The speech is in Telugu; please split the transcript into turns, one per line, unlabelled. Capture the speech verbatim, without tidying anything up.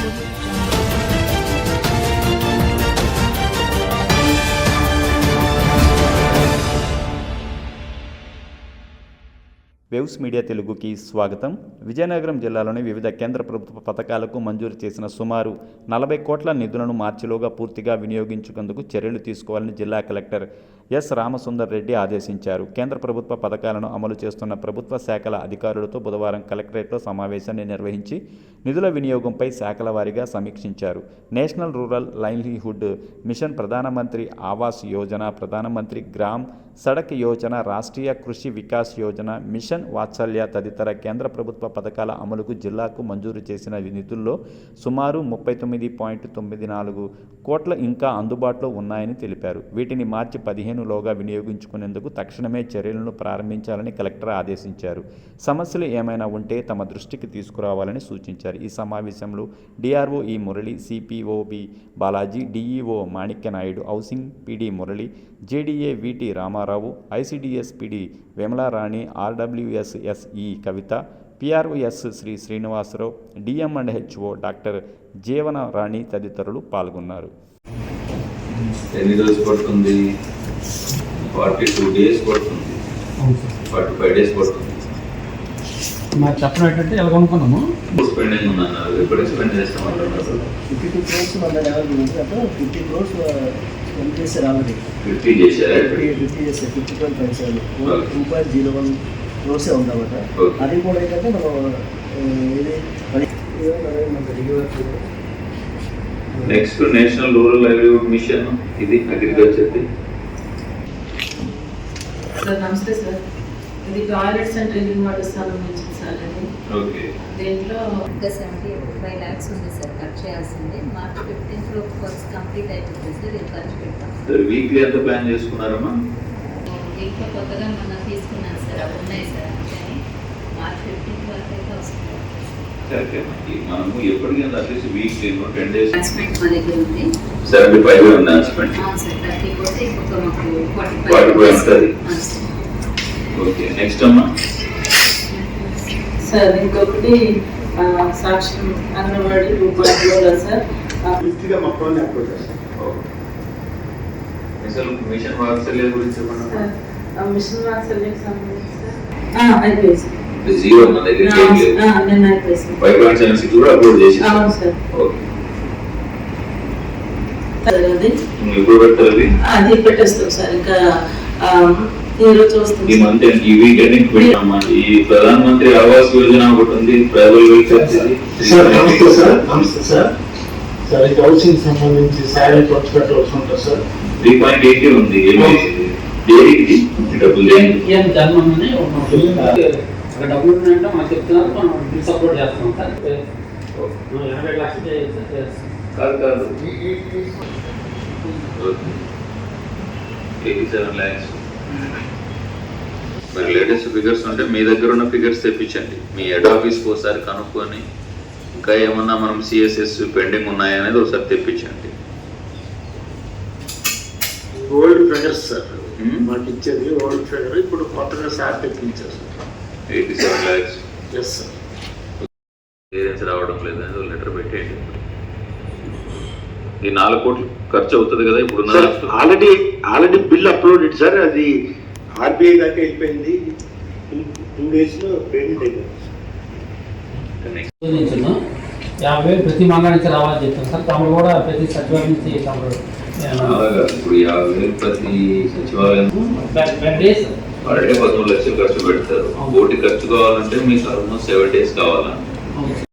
వేవ్స్ మీడియా తెలుగుకి స్వాగతం. విజయనగరం జిల్లాలోని వివిధ కేంద్ర ప్రభుత్వ పథకాలకు మంజూరు చేసిన సుమారు నలభై కోట్ల నిధులను మార్చిలోగా పూర్తిగా వినియోగించుకుందుకు చర్యలు తీసుకోవాలని జిల్లా కలెక్టర్ ఎస్ రామసుందర్ రెడ్డి ఆదేశించారు. కేంద్ర ప్రభుత్వ పథకాలను అమలు చేస్తున్న ప్రభుత్వ శాఖల అధికారులతో బుధవారం కలెక్టరేట్లో సమావేశాన్ని నిర్వహించి నిధుల వినియోగంపై శాఖల వారీగా సమీక్షించారు. నేషనల్ రూరల్ లైవ్లీహుడ్ మిషన్, ప్రధానమంత్రి ఆవాస్ యోజన, ప్రధానమంత్రి గ్రామ్ సడక్ యోజన, రాష్ట్రీయ కృషి వికాస్ యోజన, మిషన్ వాత్సల్య తదితర కేంద్ర ప్రభుత్వ పథకాల అమలుకు జిల్లాకు మంజూరు చేసిన నిధుల్లో సుమారు ముప్పై తొమ్మిది పాయింట్ తొమ్మిది నాలుగు కోట్ల ఇంకా అందుబాటులో ఉన్నాయని తెలిపారు. వీటిని మార్చి పదిహేనులోగా వినియోగించుకునేందుకు తక్షణమే చర్యలను ప్రారంభించాలని కలెక్టర్ ఆదేశించారు. సమస్యలు ఏమైనా ఉంటే తమ దృష్టికి తీసుకురావాలని సూచించారు. ఈ సమావేశంలో డిఆర్ఓ ఈ Murali, CPOB Balaji, DEO Manikya Naidu, housing PD Murali, JDA VT Ramarao, ICDS PD Vimalarani, RWS SE Kavitha, PROS Shri Srinivasarao, DM and HO doctor Jeevana Rani తదితరులు పాల్గొన్నారు.
ఎన్ని రోజులు పడుతుంది? ఫార్టీ టూ డేస్ పడుతుంది, ఫార్టీ ఫైవ్ డేస్ పడుతుంది.
మాకు చెప్పడం ఏంటంటే ఎలా కొనుక్కున్నాము
స్పెండింగ్ ఉందన్నారు. ఎప్పుడు స్పెండ్ చేస్తామంటున్నారు?
ఫిఫ్టీ టూ క్రోర్స్ మన ఫిఫ్టీ క్రోర్స్ స్పెండ్ చేశారు ఆల్రెడీ.
ఫిఫ్టీ చేశారా?
ఫిఫ్టీ ఫిఫ్టీ చేశారు. Fifty point five seven two point zero one క్రోర్సే ఉందన్నమాట. అది కూడా ఏంటంటే మనం ఇది
next national rural livelihood mission, ఇది అగ్రికల్చర్.
సార్ నమస్తే సార్, ఇది టాయిలెట్స్ అండ్ డ్రింకింగ్ వాటర్ సంబంధించింది సార్. అది
ఓకే.
దీంట్లో
ఇంకా సెవెంటీ ఫైవ్ ల్యాక్స్ ఉంది సార్ ఖర్చు చేయాల్సింది. మార్చ్ ఫిఫ్టీన్త్ లో కోర్స్ కంప్లీట్ అయిపోతుంది సార్. ఇది ఖర్చు పెడతాం
సార్. వీక్లీ ఎంత ప్లాన్ చేసుకున్నారమ్మా?
వీక్లో కొత్తగా మనం తీసుకున్నాను సార్, అవి ఉన్నాయి సార్. అందుకని మార్చ్ ఫిఫ్టీన్త్ వరకు అయితే వస్తుంది.
కరెక్టే. మనము ఎప్పటికైనా అట్లీస్ట్ వీక్లీ టెన్ డేస్
ట్రాన్స్మెంట్ మా దగ్గర ఉంది.
సెవెంటీ ఫైవ్ ఉంది ట్రాన్స్మెంట్.
అవును సార్, థర్టీ పోతే ఇంకొక మాకు ఫార్టీ
ఫార్టీ
ఫైవ్
ఉంటుంది. ఓకే. నెక్స్ట్ అమ్మా
సార్ ఇంకొకటి సాక్ష్యం అంగన్వాడీ రూపాయలు సార్.
పూర్తిగా మొత్తం అప్రోచ్ చేస్తాం.
అసలు మిషన్ వాత్సల్య గురించి చెప్పండి.
మిషన్ వాత్సల్యకి సంబంధించి సార్ అయిపోయింది సార్.
జీరో మన దగ్గర ఏం లేదు.
నేను అయిపోయింది.
ఫైవ్ పాయింట్ సెవెన్ సిక్స్ కూడా అప్లోడ్ చేసి.
అవును సార్.
ఓకే.
అది
ఇప్పుడు పెట్టాలి.
అది పెట్టేస్తాం సార్. ఇంకా ఈ రోజు వస్తుంది.
ఈ మంత్ ఈ వీక్ ఎండింగ్ పెట్టామా? ఈ ప్రధాన మంత్రి ఆవాస్ యోజన ఒకటి ఉంది, ట్రైబల్ వెల్ఫేర్.
సార్ నమస్తే సార్. నమస్తే సార్. సార్ ఇది హౌసింగ్ సంబంధించి శాలరీ ఖర్చు పెట్టవలసి ఉంటుంది సార్.
త్రీ పాయింట్ ఎయిటీ ఉంది. డైరీకి డబ్బులు
ఏం జన్మని అక్కడ డబ్బులు ఉన్నాయంటే మాకు చెప్తున్నారు, మనం సపోర్ట్ చేస్తాం సార్. ఎనభై లక్షలు
కాదు కాదు ఎయిటీ సెవెన్ ల్యాక్స్. మరి లేటెస్ట్ ఫిగర్స్ ఉంటే మీ దగ్గర ఉన్న ఫిగర్స్ తెప్పించండి. మీ హెడ్ ఆఫీస్కి ఒకసారి కనుక్కొని ఇంకా ఏమన్నా మనం సిఎస్ఎస్ పెండింగ్ ఉన్నాయనేది ఒకసారి తెప్పించండి.
ఓల్డ్ ఫిగర్స్ సార్ మాకు ఇచ్చేది ఓల్డ్ ఫిగర్. ఇప్పుడు కొత్తగా సార్ తెప్పించారు sir.
Eighty seven lakhs.
Yes sir.
Clearance రావడం లేదని లెటర్ పెట్టేయండి. ఈ నాలుగు కోట్లు ఖర్చు అవుతుంది కదా ఇప్పుడు?
Already already bill uploaded sir. అది ఆర్బీఐ దాకా వెళ్ళిపోయింది. టూ డేస్ లో పేమెంట్ అయిపోయింది.
యాభై వేలు ప్రతి మంగళ నుంచి రావాలని చెప్తాం సార్. తమరు కూడా ప్రతి సచివాలయం నుంచి తమరు
ఇప్పుడు యాభై వేలు ప్రతి సచివాలయం
per day sir.
Per day పదమూడు లక్షలు ఖర్చు పెడతారు. కోటి ఖర్చు కావాలంటే మీకు ఆల్మోస్ట్ సెవెన్ డేస్ కావాలా?